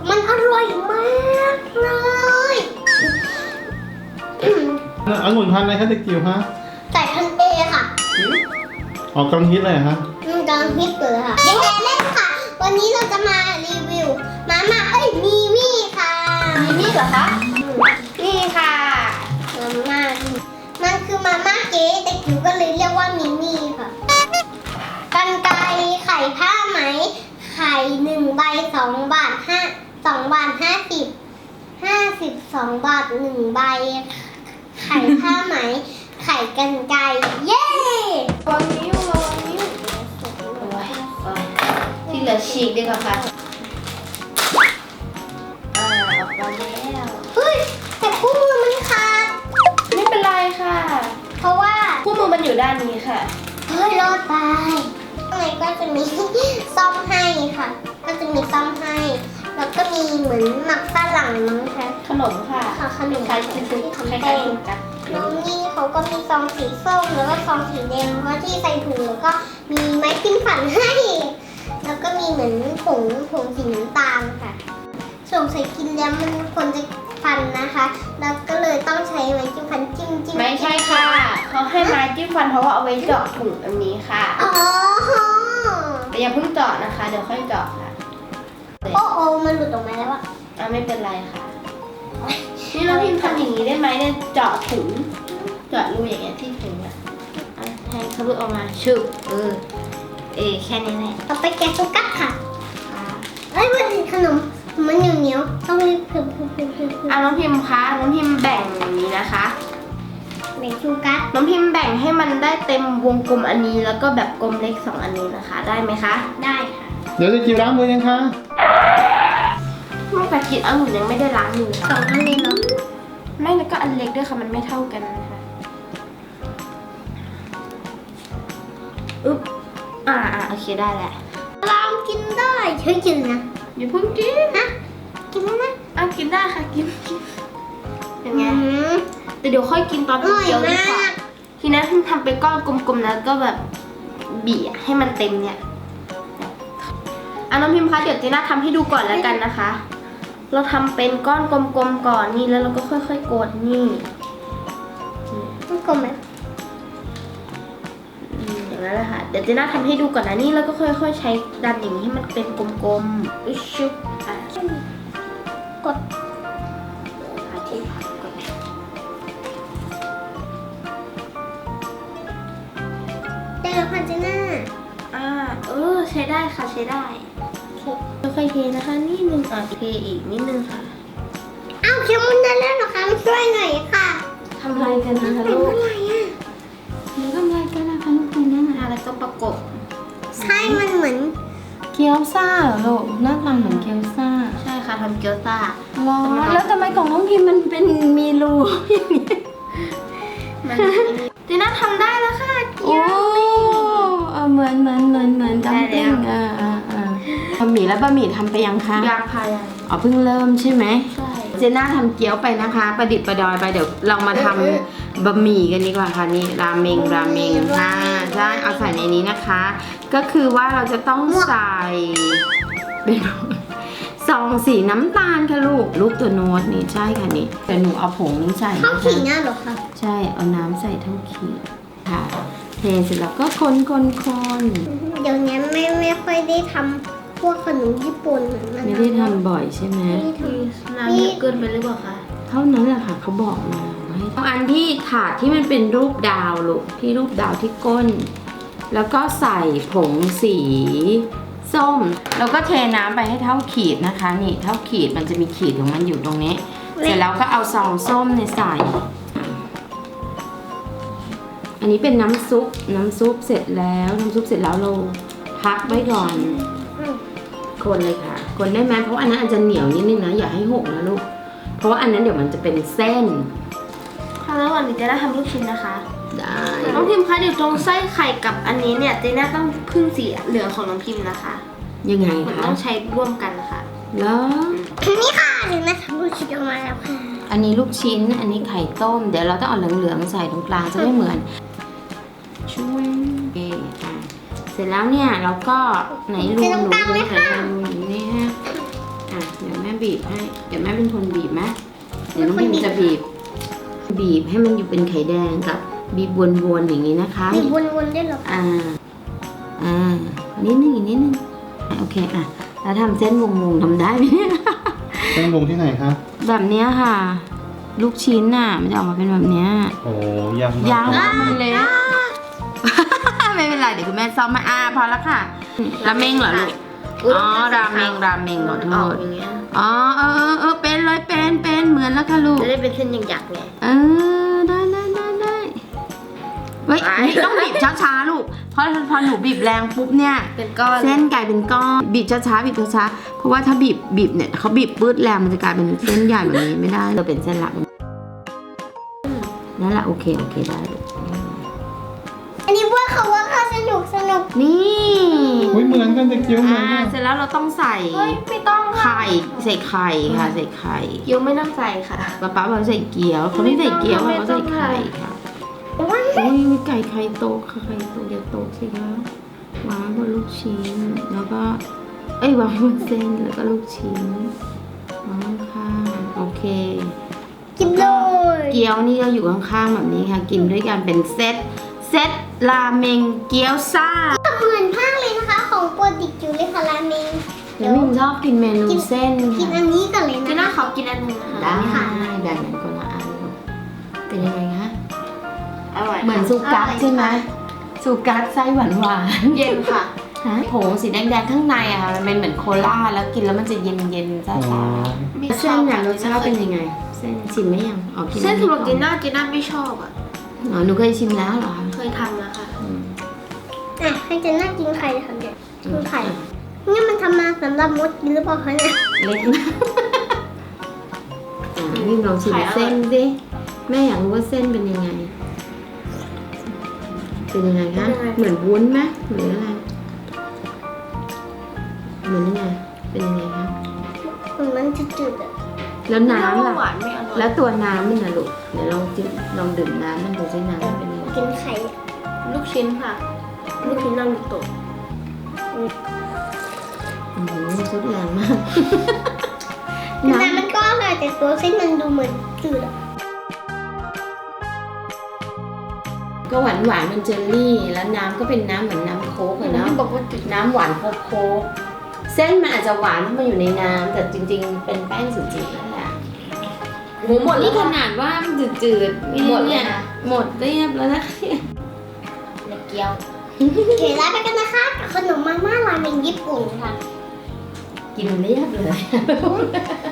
มันอร่อยมากเลยองุ่นพันธุ์อะไรคะเด็กจิ๋วฮะใส่พันเอค่ะออกกำลังฮิตเลยฮะกำลังฮิตเลยค่ะเย้เล่นค่ะ วันนี้เราจะมารีวิวมาม่ามีมี่ค่ะมีมี่เหรอคะนี่ค่ะมาม่ามันคือมาม่าเก๋แต่จิ๋วก็เลยเรียกว่ามีมี่ค่ะกรรไกรไข่ผ้าไหมไข่1 ใบ2 บาท2 บาท 52 บาท1 ใบไข่ผ้าไหมไข่กรรไกรเย้วางนิ้วที่เหลือฉีกดีกว่าค่ะออกมาแล้วเฮ้ยแต่คู่มือมันขาดไม่เป็นไรค่ะเพราะว่าคู่มือมันอยู่ด้านนี้ค่ะเฮ้ยรอดไปข้างในก็จะมีซ่อมให้ค่ะ ก็จะมีซ่อมให้ แล้วก็มีเหมือนหมักฝรั่งมั้งคะขนมค่ะค่ะขนมคล้ายๆคุกที่คทำล้ายแป้งๆคุกกันน้องนี่เขาก็มีซองสีส้มแล้วก็ซองสีแดงแล้วก็ที่ใส่ถุงแล้วก็มีไม้จิ้มฟันให้ แล้วก็มีเหมือนผงสีน้ำตาลค่ะสงสัยกินแล้วมันควรจะฟันนะคะ แล้วก็เลยต้องใช้ไม้จิ้มฟันจิ้มไม่ใช่ค่ะ เขาให้ไม้จิ้มฟันเพราะว่าเอาไว้เจาะถุงอันนี้ค่ะอ๋อแต่อย่าเพิ่งเจาะนะคะ เดี๋ยวค่อยเจาะค่ะโอ้โอ้มันหลุดออกมาแล้วอะไม่เป็นไรค่ะ นี่เราพิมพ์ทำอย่างนี้ได้ไหมเนี่ยเจาะถุงเจาะรูอย่างเงี้ยที่ถุงอ่ะให้เขาลุกออกมาชุบแค่นี้แหละต่อไปแกะโฟกัสค่ะเอ้ยมันขนมมันเหนียวต้องรีบเพิ่มน้องพิมพ์คะน้องพิมพ์แบ่งอย่างนี้นะคะแบ่งโฟกัสน้องพิมพ์แบ่งให้มันได้เต็มวงกลมอันนี้แล้วก็แบบกลมเล็ก2 อันนี้นะคะ ได้ไหมคะได้ค่ะเดี๋ยวเด็กจิ๋วล้างมือยังคะเมื่อกี้กินองุ่นยังไม่ได้ล้างมือสค่ะองอันเลยเนาะไม่แล้วก็อันเล็กด้วยค่ะมันไม่เท่ากันนะคะอึ๊บโอเคได้แหละลองกินได้เฮ้ยกินนะอย่าเพิ่งกินฮะกินนะกินได้ค่ะกินเป็นไงแต่เดี๋ยวค่อยกินตอนอร่อยเคี้ยวดีมากว่าทีนั้นทำเป็นก้อนกลมๆแล้วก็แบบบีบให้มันเต็มเนี่ยน้องพิมพ์คะเดี๋ยวเจน่าทำให้ดูก่อนแล้วกันนะคะ เราทำเป็นก้อนกลมๆก่อนนี่แล้วเราก็ค่อยๆกดนี่มันกลมไหมอย่างนั้นแหละค่ะเดี๋ยวเจน่าทำให้ดูก่อนนะนี่แล้วก็ค่อยๆใช้ดันอย่างนี้ให้มันเป็นกลมๆอุ๊ยชุบกดที่ผักกดได้แล้วค่ะเจน่าใช้ได้ค่ะใช้ได้ค่อยๆเทนะคะนิดนึงเทอีกนิดนึงค่ะอ้าวเคี้ยวมันได้แล้วเหรอคะช่วยหน่อยค่ะทำอะไรกันนะคะเป็นลูกอะไรอ่ะหนูทำอะไรกันนะคะลูกจีน่าแล้วก็ประกบใช่มันเหมือนเกี๊ยวซ่าเหรอลูกหน้าตาเหมือนเกี๊ยวซ่าใช่ค่ะทำเกี๊ยวซ่าว้าวแล้วทำไมของน้องพิมพ์มันเป็นมีรูอย่างนี้มันจีน่าทำได้แล้วค่ะโอ้เหมือนดัมปิ้งบะหมี่แล้วบะหมี่ทำไปยังคะยางพายังเพิ่งเริ่มใช่ไหมใช่เจน่าทำเกี๊ยวไปนะคะประดิษฐ์ประดอยไปเดี๋ยวเรามาทำบะหมี่กันดีกว่าค่ะนี่ราเมงค่ะใช่เอาใส่ในนี้นะคะ ก็คือว่าเราจะต้องใส่เป็นซองสีน้ำตาลค่ะลูกตัวโน้ตนี่ใช่ค่ะนี่เดี๋ยวหนูเอาผงนี้ใส่ข้าวนะขิงคะน่ะเหรอคะใช่เอาน้ำใส่เท่าขีดค่ะเทเสร็จแล้วก็คนเดี๋ยวนี้ไม่ค่อยได้ทำพวกขนมญี่ปุ่นเหมือนมันไม่ได้ทำบ่อยใช่ไหมไม่ได้ทน้ำเยอะเกินไปหรือเปล่าคะเท่านั้นแหละค่ะเขาบอกมาให้อันที่ถาดที่มันเป็นรูปดาวลูกที่รูปดาวที่ก้น แล้วก็ใส่ผงสีส้มแล้วก็เทน้ำไปให้เท่าขีดนะคะนี่เท่าขีดมันจะมีขีดของมันอยู่ตรงนี้เสร็จแล้วก็เอาซองส้มเนี่ยใส่อันนี้เป็นน้ำซุปเสร็จแล้วเราพักไว้ก่อนคนเลยค่ะคนได้ไหมเพราะอันนั้นอาจจะเหนียวนิดนึงนะอย่าให้หกนะลูกเพราะว่าอันนั้นเดี๋ยวมันจะเป็นเส้นค่ะแล้ววันนี้เจน่าทำลูกชิ้นนะคะได้น้องพิมพ์คะเดี๋ยวตรงไส้ไข่กับอันนี้เนี่ยเจน่าต้องพึ่งสีเหลืองของน้องพิมพ์นะคะยังไงมันคะต้องใช้ร่วมกันนะคะแล้วำนี่ค่ะถึงนะทำลูกชิ้นออกมาแล้วค่ะอันนี้ลูกชิ้นอันนี้ไข่ต้มเดี๋ยวเราต้องเอาเหลืองๆใส่ตรงกลางจะไม่เหมือนช่วยเสร็จแล้วเนี่ยเราก็ไหนรูหนูดูไหนรูหนูนี่ฮะเดี๋ยวแม่ม่บีบให้ เดี๋ยวแม่เป็นคนบีบไหมเดี๋ยวน้องพิมจะบีบให้มันอยู่เป็นไข่แดงกับบีบวนๆอย่างนี้นะคะมีวนๆได้หรอนิดนึงอีกนิดนึงโอเคอ่ะแล้วทำเส้นวงๆทำได้ไหมเนี่ยเส้นวงที่ไหนคะแบบเนี้ยค่ะ ลูกชิ้นน่ะมันจะออกมาเป็นแบบเนี้ยโอ้ยากมากยางมันเละ ไม่เป็นไรเดี๋ยวคุณแม่ซ้อมมาพอแล้วค่ะราเมงเหรอลูกอ๋อราเมงขอโทออกษอย่างเงี้ยอ๋อเป็นเลยเป็นเหมือนแล้วค่ะลูกจะได้เป็นเส้นหยักๆไงได้เฮ้ยนี่ต้องบีบช้าๆลูกเพราะพอหนูบีบแรงปุ๊บเนี่ยเป็นก้อนเส้นกลายเป็นก้อนบีบช้าๆเพราะว่าถ้าบีบเนี่ยเขาบีบปื้ดแรงมันจะกลายเป็นเส้นใหญ่แบบนี้ไม่ได้เราเป็นเส้นหลักนั่นแหละโอเคได้ลูกอันนี้ว่าเขาสนุกนี่อุ้ยเหมือนกันเด็กจิ๋วเหมือนกันเสร็จแล้วเราต้องใส่ไม่ต้องค่ะไข่ใส่ไข่ค่ะใส่ไข่เกี๊ยวไม่ต้องใส่ค่ะป๊าบอกใส่เกี๊ยวเขาไม่ใส่เกี๊ยวไม่เขาต้ใส่องไข่ค่ะค่ะอุ้ยมีไข่โตค่ะไข่โตอย่าโตสิคะวางบนลูกชิ้นแล้วก็วางบนเส้นแล้วก็ลูกชิ้นวางข้างโอเคกินเลยเกี๊ยวนี่ก็อยู่ข้างๆแบบนี้ค่ะ กินด้วยกันเป็นเซตราเมงเกี๊ยวซ่าเหมือนมากเลยนะคะ ของโปรดิกจิ๋วเลยค่ะราเมงเดี๋ยวมินชอบกินเมนูเส้นกินค่ะอันนี้กันเลยจีนะน่าขอกินอันหนึงนะคะได้แบ่งกันคนละอันลูกเป็นยังไงคะอร่อยเหมือนซูกัสใช่ไหมซูกัสไส้หวานเย็นค่ะๆฮะผงสีแดงๆข้างในอะค่ะมันเป็นเหมือนโคลาแล้วกินแล้วมันจะเย็นๆซ่าอ๋อๆเส้นเนี่ยรสชาติเป็นยังไง เส้นชิมไหมยังอ๋อกินเส้นอัสำหรับจีก่อนน่าไม่ชอบอ่ะอ๋อหนูเคยชิมแล้วเหรอคะเคยทำแล้วค่ะให้เจะน่ากินไข่เลยค่ะเด็กกินไข่นี่มันทำมาสำหรับมดกินหรือเปล่าคะเนี่ยเล็กนะนี่ลองชิมเส้นสิแม่อยากรู้ว่าเส้นเป็นยังไง เป็นยังไงคะเหมือนวุ้นไหมหรืออะไรเหมือนยังไงเป็นยังไงคะมันจืดๆอะแล้วน้ำล่ะหวานไม่อร่อยแล้วตัวน้ำมันนะลูกเดี๋ยวลองดื่มน้ำมันดูสิน้ำมันเป็นยังไงกินไข่อะลูกชิ้นค่ะ ลูกชิ้นนารูโตะซุปแรงมากน้ำมันก็อร่อยแต่ตัวเส้นมันดูเหมือนจืดอะก็หวานเป็นเจลลี่แล้วน้ำก็เป็นน้ำเหมือนน้ำโค้กอะเนาะบอกว่าจืดน้ำหวานโค้กเส้นมันอาจจะหวานเพราะมันอยู่ในน้ำแต่จริงๆ เป็นแป้งจืดๆนั่นแหละหมดนี่แล้วขค่ะนาดว่ามันจืดๆหมดเลยนะหมดเรียบแล้วนะในเกี๊ยวโอเคลาไปกันนะคะกับขนมมาม่าราเมงญี่ปุ่นค่ะกินเรียบเลย